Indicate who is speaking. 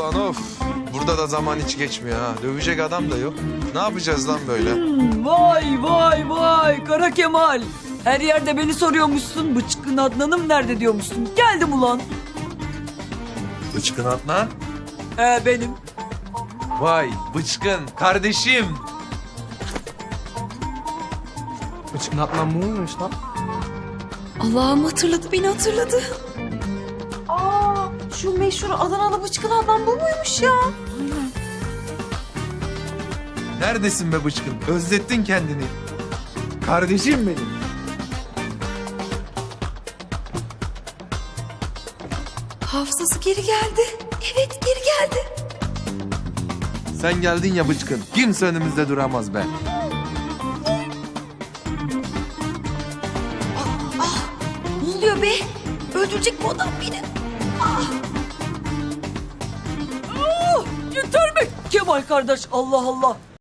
Speaker 1: Ulan of. Burada da zaman hiç geçmiyor ha. Dövecek adam da yok. Ne yapacağız lan böyle?
Speaker 2: Vay vay vay Kara Kemal. Her yerde beni soruyormuşsun. Bıçkın Adnan'ım nerede diyormuşsun. Geldim ulan.
Speaker 1: Bıçkın Adnan.
Speaker 2: Benim.
Speaker 1: Vay bıçkın kardeşim.
Speaker 3: Bıçkın Adnan bu muymuş lan?
Speaker 4: Allah'ım hatırladı, beni hatırladı. Aa, şu meşhur Adanalı Bıçkın Adnan bu muymuş ya?
Speaker 1: Neredesin be bıçkın? Özlettin kendini. Kardeşim benim.
Speaker 4: Hafızası geri geldi. Evet, geri geldi.
Speaker 1: Sen geldin ya bıçkın. Kimse önümüzde duramaz be.
Speaker 4: Ne oluyor be? Öldürecek bu adam beni.
Speaker 2: Yeter mi Kemal kardeş? Allah Allah.